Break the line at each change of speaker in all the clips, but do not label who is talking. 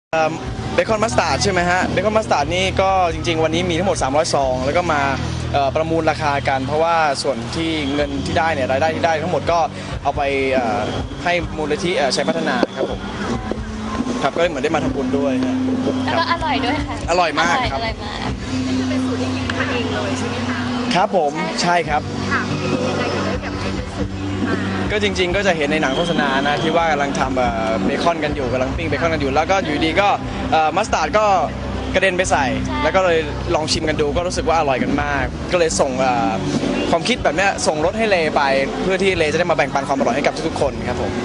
เบคอนมัสตาร์ดใช่ไหมฮะเบคอนมัสตาร์ดนี่ก็จริงๆวันนี้มีทั้งหมด300ซองแล้วก็มาประมูลราคากันเพราะว่าส่วนที่เงินที่ได้เนี่ยรายได้ที่ได้ทั้งหมดก็เอาไปให้มูลนิธิชัยพัฒนาครับผมครับก็เหมือนได้มาทำบุญด้วยฮะ
แล้วก็อร่อยด้วยค่ะ
อร่อยมากครับ
อร่อยมาก
นี่คือเป็นสูตรที่คิดมาเองเลยใช่ไหมคะ
ครับผมใช่ครับ
ค่ะเป็นยังไงถึงได้แบบเป็นสูตรนี้มา
ก็จริงๆก็จะเห็นในหนังโฆษณานะที่ว่ากำลังทำเบคอนกันอยู่กำลังปิ้งเบคอนกันอยู่แล้วก็อยู่ดีก็มัสตาร์ดก็กระเด็นไปใส่แล้วก็เลยลองชิมกันดูก็รู้สึกว่าอร่อยกันมากก็เลยส่งความคิดแบบนี้ส่งรถให้เลไปเพื่อที่เลจะได้มาแบ่งปันความอร่อยให้กับทุกๆคนครับผม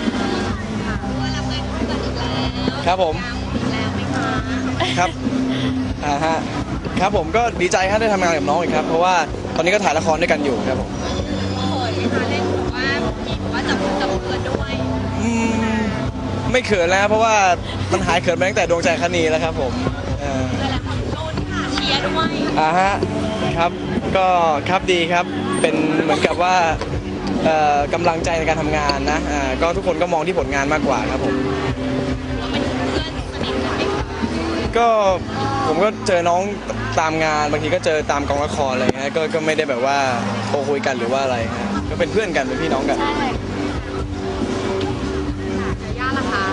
ครับผมครับฮะครับผมก็ดีใจครับได้ทำงานกับน้องอีกครับเพราะว่าตอนนี้ก็ถ่ายละครด้วยกันอยู่ครับผม
เล่นบอกว่ามีบอกว่าจับเกินด้วย
ไม่เขินแล้วเพราะว่ามันหายเขินมาตั้งแต่ดวงใจคณีแล้วครับผม
หลายคนโดนค่ะเชียร์ด้วย
ฮะครับก็ครับดีครับเป็นเหมือนกับว่ากำลังใจในการทำงานนะก็ทุกคนก็มองที่ผลงานมากกว่าครับผมก็ผมก็เจอน้องตามงานบางทีก็เจอตามกองละครอะไรเงี้ยก็ไม่ได้แบบว่าโทรคุยกันหรือว่าอะไรฮะก็เป็นเพื่อนกันเป็นพี่น้องกัน
ย่าล่ะคะ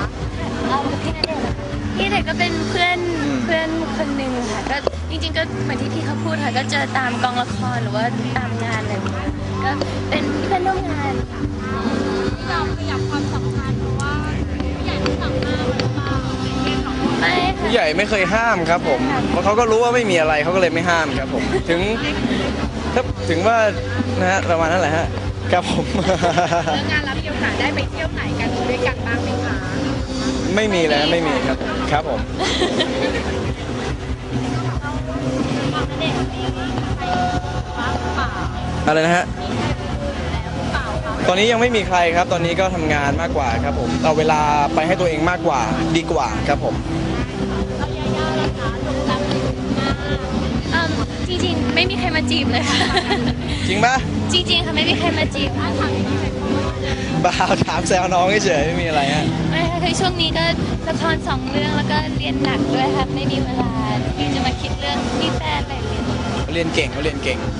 พี่เด็กก็เป็นเพื่อนคนหนึ่งค่ะก็จริงๆก็เหมือนที่พี่เขาพูดค่ะก็เจอตามกองละครหรือว่าตามงานอะไรอย่างเงี้ยก็เป็นเพื่อนร่วมงาน
เราขยับความสัมพันธ์เพราะว่าผู้ใหญ่ไม่สั่งห้ามหรือเปล่า
ไม่ค่ะ
ผู้ใหญ่ไม่เคยห้ามครับผมเพราะเขาก็รู้ว่าไม่มีอะไรเขาก็เลยไม่ห้ามครับผมถึงว่านะฮะประมาณนั้นแหละฮะครับผม
แล้วงานรับมีโอกาสได้ไปเที่ยวไหนกันด้วยกันบ้างไหมคะ
ไม่มีแล้วไม่มีครับครับผมอะไรนะฮะตอนนี้ยังไม่มีใครครับตอนนี้ก็ทำงานมากกว่าครับผมเอาเวลาไปให้ตัวเองมากกว่าดีกว่าครับผม
จริงๆไม่มีใครมาจีบเลยค่ะ
จริงปะ
จริงๆค่ะไม่มีใครมาจีบ
บ้าถามแซวน้องเฉยไม่มีอะไรฮะ
ไม่ค่ะคือช่วงนี้ก็ละคร2 เรื่องแล้วก็เรียนหนักด้วยค่ะไม่มีเวลาที่จะมาคิดเรื่องมีแฟนอะไร
เรียนเก่งเขาเรียนเก่ง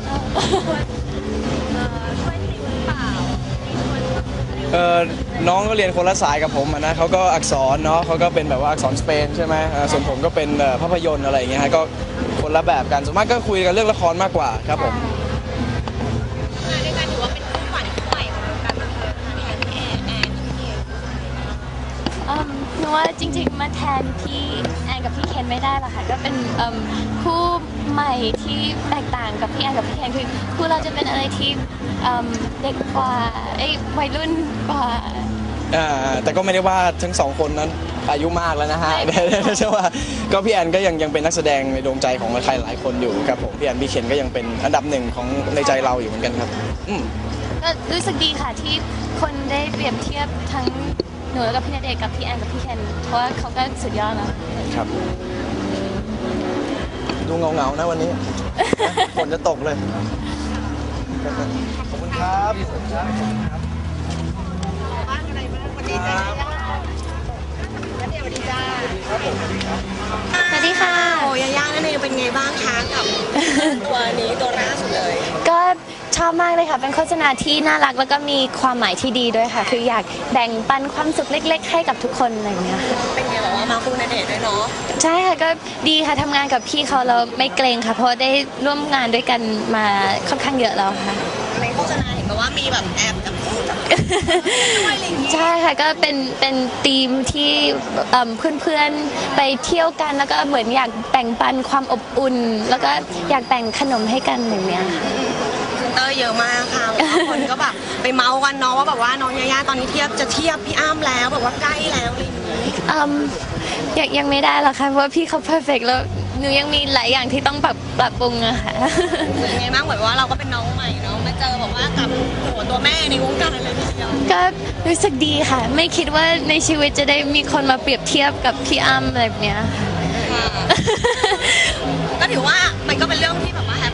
น้องก็เรียนคนละสายกับผมนะเขาก็อักษรเนาะเขาก็เป็นแบบว่าอักษรสเปนใช่ไหมส่วนผมก็เป็นภาพยนตร์อะไรอย่างเงี้ยฮะก็คนละแบบกันส่วนมากก็คุยกันเรื่องละครมากกว่าครับผม
ในการถือว่าเป็นคู่ขวัญคู่ใหม่ของการบันเทิงแทนแอน
หนูว่าจริงๆมาแทนพี่แอนกับพี่เคนไม่ได้หรอกค่ะก็เป็นคู่ใหม่ที่แตกต่างกับพี่แอนกับพี่เคนคือคู่เราจะเป็นอะไรที่เด็กกว่าวัยรุ่นกว่า
แต่ก็ไม่ได้ว่าทั้ง2 คนนั้นอายุมากแล้วนะฮะใช่ว่าก็พี่แอนก็ยังเป็นนักแสดงในดวงใจของใครหลายคนอยู่ครับผมพี่แอนพี่เคนก็ยังเป็นอันดับ1ของในใจเราอยู่เหมือนกันครับ
ก็รู้สึกดีค่ะที่คนได้เปรียบเทียบทั้งหนูแล้วก็พี่ณเดชน์กับพี่แอนกับพี่เคนเพราะว่าเขาก็สุดยอดแล้ว
ครับดูเงาๆนะวันนี้ฝนจะตกเลยขอบคุณครับ
บ้านอะไรบ้างวันนี้จ้าแล้วเดี๋ยวดีจ้า
สวัสดีค่ะ
โอ้ย่านั่นเองเป็นไงบ้างคะกับตัวนี้ตัวล่าสุดเลย
ก็ชอบมากเลยค่ะเป็นโฆษณาที่น่ารักแล้วก็มีความหมายที่ดีด้วยค่ะคืออยากแบ่งปันความสุขเล็กๆให้กับทุกคนอะไรอย่างเงี้ยค่ะ
เป็นไงบอกว่ามาคู่ณเดชน์ด้วยเนาะ
ใช่ค่ะก็ดีค่ะทำงานกับพี่เขาเราไม่เกรงค่ะเพราะได้ร่วมงานด้วยกันมาค่อนข้างเยอะแล้วค่ะ
ในโฆษณาเห็นบอกว่ามีแบบแอบกับ
ใช่ค่ะก็เป็นธีมที่เพื่อนๆไปเที่ยวกันแล้วก็เหมือนอยากแบ่งปันความอบอุ่นแล้วก็อยากแบ่งขนมให้กันอย่างเนี้ยค่ะ
เตอร์เยอะมากค่ะคนก็แบบไปเมาส์กันเนาะว่าแบบว่าน้องย่าตอนนี้จะเทียบพี่อ้ำแล้วแบบว่าใกล้แล้วอะไรอย่าง
นี้ยังไม่ได้หรอกค่ะเพราะว่าพี่เขาเพอร์เฟกต์แล้วหนูยังมีหลายอย่างที่ต้องปรับปรุงอะค่ะ
เป็นไงบ้างเหมือนว่าเราก็เป็นน้องใหม่เนาะมาเจอแบบว่ากับตัวแม่ในวงการเลยทีเดียว
ก็รู้สึกดีค่ะไม่คิดว่าในชีวิตจะได้มีคนมาเปรียบเทียบกับพี่อ้ำแบบเนี้ย
ก็ถือว่ามันก็เป็นเรื่องที่แบบว่าแฮปปี้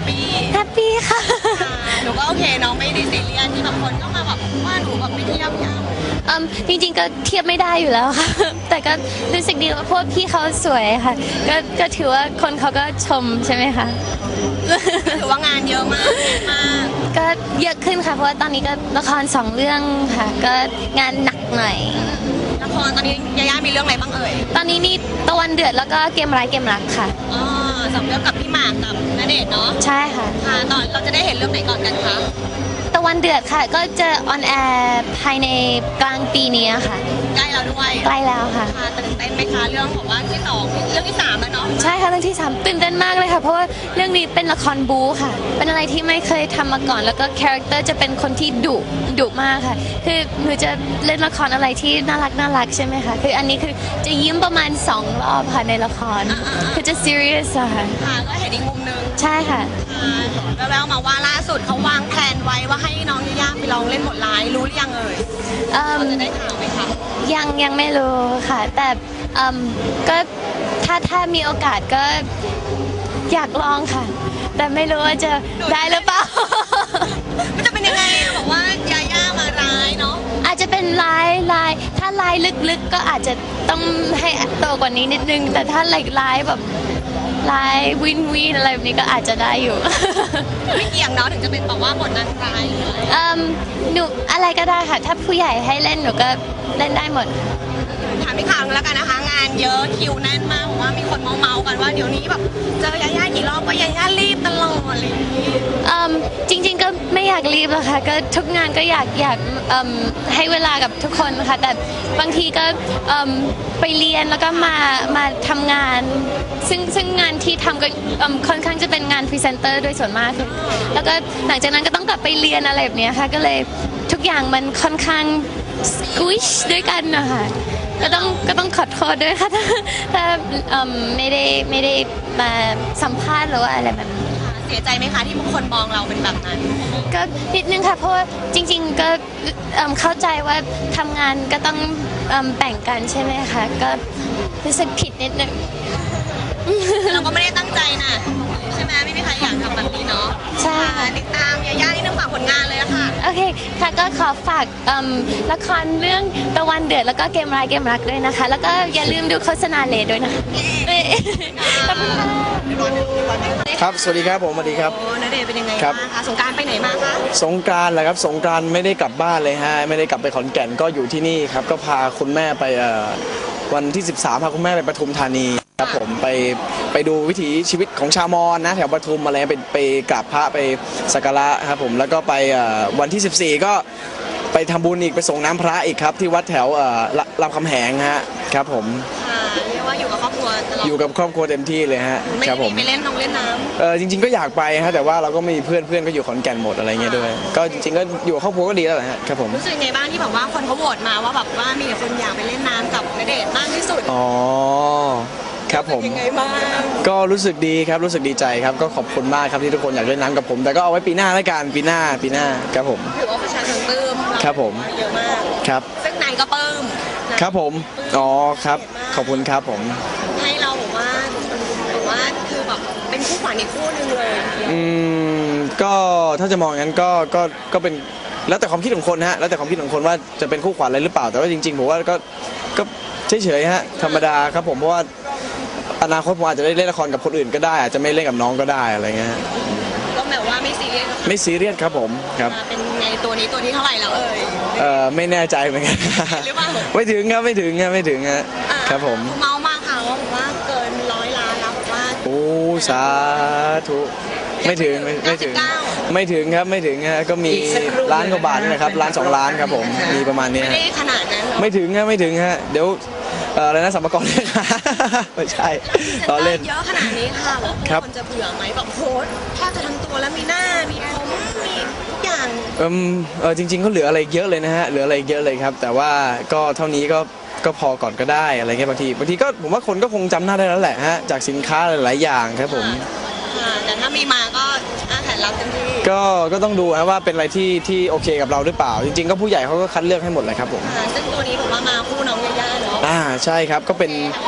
แฮปปี้ค่ะ
หนูก็โอเคน้องไม่ได้ซีเรียสที่แบบคนก็มาแบบว่าหนูแบบไม่เทียบพี่อ้ำ
จริงๆก็เทียบไม่ได้อยู่แล้วค่ะ แต่ก็รู้สึกดีว่าพวกพี่เขาสวยค่ะ ก็ถือว่าคนเขาก็ชมใช่ไหมคะ
ถือว่างานเยอะมากมาก
ก็เยอะขึ้นค่ะ เพราะว่าตอนนี้ก็ละคร2 เรื่องค่ะ ก็งานหนักหน่อย
ละครตอนนี้ยาย่ามีเรื่องอะไรบ้างเอ่ย
ตอนนี้นี่ตะวันเดือดแล้วก็เกมร้ายเกมรักค่ะ
อ๋อสองเรื่องกับพี่หมากกับณเดชน์เนาะ
ใช่ค่ะ
ค่ะตอนเราจะได้เห็นเรื่องไหนก่อนกันคะ
ตะวันเดือดค่ะ ก็จะออนแอร์ภายในกลางปีนี้ค่ะ
ใกล้เราด้วย
ใกล้แล้วค่ะ
ค่ะตื่นเต้นไหมคะเรื่องของว่าที่สองเรื่องที่สามแล้วเนาะ
ใช่ค่ะเรื่องที่ 3ตื่นเต้นมากเลยค่ะ เพราะว่าเรื่องนี้เป็นละครบู๊ค่ะ เป็นอะไรที่ไม่เคยทำมาก่อน แล้วก็คาแรคเตอร์จะเป็นคนที่ดุมากค่ะ คือหนูจะเล่นละครอะไรที่น่ารักใช่ไหมคะคืออันนี้คือจะยิ้มประมาณ2 รอบค่ะในละคร คือจะ serious อะค่ะ
ค่ะก็เห็นอีกมุมนึง
ใช่ค่ะ
ค่ะแววๆมาว่าล่าสุดเขาวางแผนไว้ว่าให้น้องยาย่าไปลองเล่นบทร้ายรู้หรือยังเอ่ย
เอิ่ม
เราจะได้ข่าวไหมคะ
ยังไม่รู้ค่ะ แต่ก็ถ้ามีโอกาสก็อยากลองค่ะ แต่ไม่รู้ว่าจะได้หรือเปล่า
มันจะเป็นยังไงบอกว่ายาย่ามาร้ายเนาะ
อาจจะเป็นลายถ้าลายลึกๆก็อาจจะต้องให้โตกว่านี้นิดนึง แต่ถ้าลายแบบลายวินอะไรแบบนี้ก็อาจจะได้อยู่
ไม่เกี่ยงเนาะถึงจะเป็นแบบว่าบทนางร้ายหรืออะไร
หนูอะไรก็ได้ค่ะ ถ้าผู้ใหญ่ให้เล่นหนูก็เล่นได้หมด
ถามพี่ข่าวนึงแล้วกันนะคะ งานเยอะคิวแน่นมากบอกว่ามีคนเมาๆกันว่าเดี๋ยวนี้แบบเจอยาย่ากี่รอบก็ยาย่ารีบตลอดอะไรอย่างนี้
จริงๆก็ไม่อยากรีบหรอกค่ะก็ทุกงานก็อยากให้เวลากับทุกคนค่ะแต่บางทีก็ไปเรียนแล้วก็มาทำงาน ซึ่งงานที่ทำก็ค่อนข้างจะเป็นงานพรีเซนเตอร์โดยส่วนมากคือแล้วก็หลังจากนั้นก็ต้องกลับไปเรียนอะไรแบบเนี้ยค่ะก็เลยทุกอย่างมันค่อนข้างสควิชด้วยกันนะคะก็ต้องขอโทษด้วยค่ะถ้าไม่ได้มาสัมภาษณ์หรือว่าอะไรแบบนี้
เสียใจไหมคะที่บางคนมองเราเป็นแบบนั้น
ก็นิดนึงค่ะเพราะว่าจริงๆก็เข้าใจว่าทำงานก็ต้องแบ่งกันใช่ไหมคะก็รู้สึกผิดนิดนึง
เราก็ไม่ได้ตั้งใจนะใช่ไหมไม่มีใครอยากทำแบบนี้เนาะ
ใช่
ค่ะติดตามยาย่านี่ต้องฝากผลงานเลยอะค่ะ
โอเคค่ะก็ขอฝากละครเรื่องตะวันเดือดแล้วก็เกมร้ายเกมรักด้วยนะคะ แล้วก็อย่าลืมดูโฆษณาเลด้วยนะคะขอบคุณค่ะ
ครับสวัสดีครับผมสวัสดีครับ
โอ้ณเดชน์เป็นยังไง
ครับ
บ้างคะสงกรารไปไหนมาคะ
สงกรานต์แหละครับสงกรานต์ไม่ได้กลับบ้านเลยฮะไม่ได้กลับไปขอนแก่นก็อยู่ที่นี่ครับก็พาคุณแม่ไปวันที่ 13พาคุณแม่ไปปทุมธานีครับผมไปดูวิถีชีวิตของชาวมอญนะแถวปทุมอะไรไปกราบพระไปสักการะครับผมแล้วก็ไปวันที่ 14 ก็ไปทำบุญอีกไปส่งน้ำพระอีกครับที่วัดแถวรามคำแหงฮะครับผม
ค่ะเรียกว่าอยู่กับครอบครัวตลอด
อยู่กับครอบครัวเต็มที่เลยฮะ
ไม่
ครับ
ได้
ผ
มี
ม
ไปเล่นน้ำ
จริงๆก็อยากไปฮะแต่ว่าเราก็มีเพื่อนก็อยู่ขอนแก่นหมดอะไรเงี้ยด้วย ก็จริงๆก็อยู่กับครอบครัวก็ดีแล้วแหละฮะครับผม
รู้สึกไงบ้างที่แบบว่าคนเขาโหวตมาว่าแบบว่ามีแต่คนอยากไปเล่นน้ำกับณเดชน์มากที่สุด
อ๋อครับผม
ยังไงบ้าง
ก็รู้สึกดีครับรู้สึกดีใจครับก็ขอบคุณมากครับที่ทุกคนอยากเล่นน้ำกับผม แต่ก็เอาไว้ปีหน้าแล้วกันปีหน้าครับผม
ถือว่าประชาชนปลื้ม
ครับผม
เยอะมาก
ครับ
ซึ่งนายก็ปลื้มนะครับ
ผมอ๋อครับขอบคุณครับผม
ให้เราบอกว่าคือแบบเป็นคู่ขวัญอีกคู่หนึงเลย
ก็ถ้าจะมองอย่างนั้นก็เป็นแล้วแต่ความคิดของคนฮะแล้วแต่ความคิดของคนว่าจะเป็นคู่ขวัญอะไรหรือเปล่าแต่ว่าจริงๆผมว่าก็เฉยๆฮะธรรมดาครับผมเพราะว่าอนาคตผมอาจจะได้เล่นละครกับคนอื่นก็ได้อาจจะไม่เล่นกับน้องก็ได้อะไรเงี้ยฮะ
ก็แบบว่าไม่ซีเรียส
ไม่ซีเรียสครับผมครับ
เป็นไงตัวนี้ตัวที่เท่าไหร่แล้วเอ่ย
ไม่แน่ใจเหมือนกัน
หรือเปล่า
ไม่ถึงครับไม่ถึงฮะครับผม
เมามากค่ะว่าบอกว่าเกิน100 ล้านแล้วบอกว่า
โอ้สาธุไม่ถึงไม่ถึง
99
ไม่ถึงครับไม่ถึงฮะก็มีล้านกว่าบาทนี่แหละครับล้าน2 ล้านครับผมมีประมาณนี้
ไม่
ฮะ
ได้ขนาดนั้นหรอก
ไม่ถึงฮะเดี๋ยวอะไรนะสัมภาระเรียกหา ไม่ใช่ตอนเล่น
เยอะขนาดนี้ค่ะบอก
ครับ
คนจะเบื่อไหมแบบโพสต์แทบจะทั้งตัวแล้วมีหน้ามีผมมีทุกอย่าง
จริงๆเขาเหลืออะไรเยอะเลยนะฮะเหลืออะไรเยอะเลยครับ แต่ว่าก็เท่านี้ก็พอก่อนก็ได้อะไรเงี้ยบางทีก็ผมว่าคนก็คงจำหน้าได้แล้วแหละฮะจากสินค้าหลายๆอย่างครับผม
แต่ถ้ามีมาก็แผนรับเต็มที่
ก็ต้องดูนะว่าเป็นอะไรที่โอเคกับเราหรือเปล่า จริงๆก็ผู้ใหญ่เขาก็คัดเลือกให้หมดเลยครับผม
ซึ่งตัวนี้ผมว่ามาคู่น้องยาย่าเนาะ
ใช่ครับก็เป็น
แฮปปี้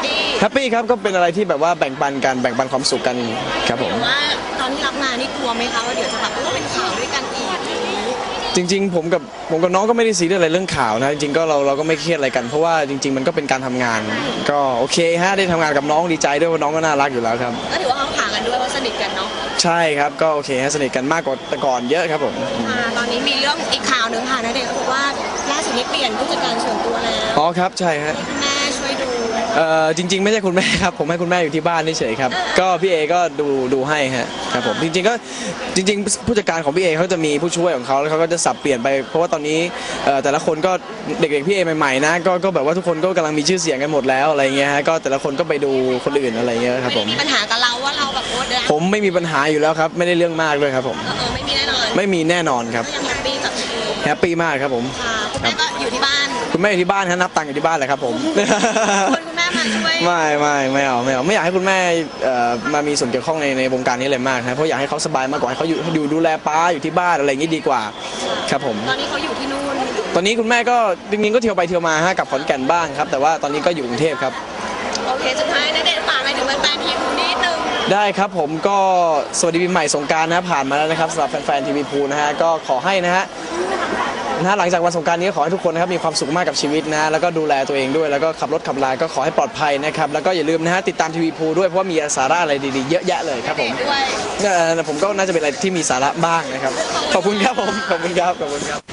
แฮปปี้ครับก็เป็นอะไรที่แบบว่าแบ่งปันกันแบ่งปันความสุขกันครับผม
แต่ว่าตอนที่รับงานนี่กลัวไหมคะว่าเดี๋ยวจะแบบเป็นข่าวด้วยกันอีก
จริงๆผมกับน้องก็ไม่ได้ซีเรียสอะไรเรื่องข่าวนะจริงๆก็เราก็ไม่เครียดอะไรกันเพราะว่าจริง ๆ มันก็เป็นการทำงาน ก็โอเคฮะได้ทำงานกับน้องดีใจด้วยว่าน้องก็น่ารักอยู่แล้วครับ
ก็ถือว่าเขาผ่ากันด้วยว่าสนิทกันเนาะ
ใช่ครับก็โอเคฮะสนิทกันมากกว่าแต่ก่อนเยอะครับผม
ตอนนี้มีเรื่องอีกข่าวหนึ่งค่ะณเดชน์ก็บอกว่าล่าสุดนี้เปลี่ยนผู้จัดการส่วนตัวแล้ว
อ๋อครับใช่ฮะ
คุณแม่ช่วยดู
จริงๆไม่ใช่คุณแม่ครับผมให้คุณแม่อยู่ที่บ้านเฉยๆครับก็พี่เอก็ดูให้ฮะครับผมจริงๆก็จริงๆผู้จัดการของพี่เอเขาจะมีผู้ช่วยของเขาแล้วเขาก็จะสับเปลี่ยนไปเพราะว่าตอนนี้แต่ละคนก็เด็กๆพี่เอใหม่ๆนะก็แบบว่าทุกคนก็กำลังมีชื่อเสียงกันหมดแล้วอะไรเงี้ยฮะก็แต่ละคนก็ไปดูคนอื่นอะไรเงี้ยครับผม
มีปัญหากับเราว่าเราแบบโอ๊ตนะ
ผมไม่มีปัญหาอยู่แล้วครับไม่ได้เรื่องมากเลยครับผม
ไม่มีแน่นอน
ไม่มีแน่นอนครับ
ก็ยังแฮปปี้กับ
แฮปปี้มากครับผม
ค่ะคุณแม่ก็อยู่ที่บ้าน
คุณแม่อยู่ที่บ้านครับนับตังค์อยู่ที่บ้านแหละครับผม
คุณแม่มาช่วย
ไม่เอาไม่อยากให้คุณแม่มามีส่วนเกี่ยวข้องในวงการนี้เลยมากนะเพราะอยากให้เขาสบายมากกว่าให้เขาอยู่ดูแลป้าอยู่ที่บ้านอะไรอย่างนี้ดีกว่าครับผม
ตอนนี้เขาอยู่ที่นู่น
ตอนนี้คุณแม่ก็จริงๆก็เที่ยวไปเที่ยวมาฮะกลับขอนแก่นบ้างครับแต่ว่าตอนนี้ก็อยู่กรุงเทพครับ
โอเคสุดท้ายณเดชน์ฝากอะไรถึงแฟนๆทีมนิดนึง
ได้ครับผมก็สวัสดีปีใหม่สงกรานต์นะผ่านมาแล้วนะครับสำหรับแฟนๆทีวีพูนะฮะก็ขอให้นะฮะหลังจากวันสงกรานต์นี้ก็ขอให้ทุกคนนะครับมีความสุขมากกับชีวิตนะแล้วก็ดูแลตัวเองด้วยแล้วก็ขับรถขับลาก็ขอให้ปลอดภัยนะครับแล้วก็อย่าลืมนะฮะติดตามทีวีพูด้วยเพราะว่ามีสาระอะไรดีๆเยอะแยะเลยครับผม
ด้วย
ผมก็น่าจะเป็นอะไรที่มีสาระบ้างนะครับขอบคุณครับผมขอบคุณครับ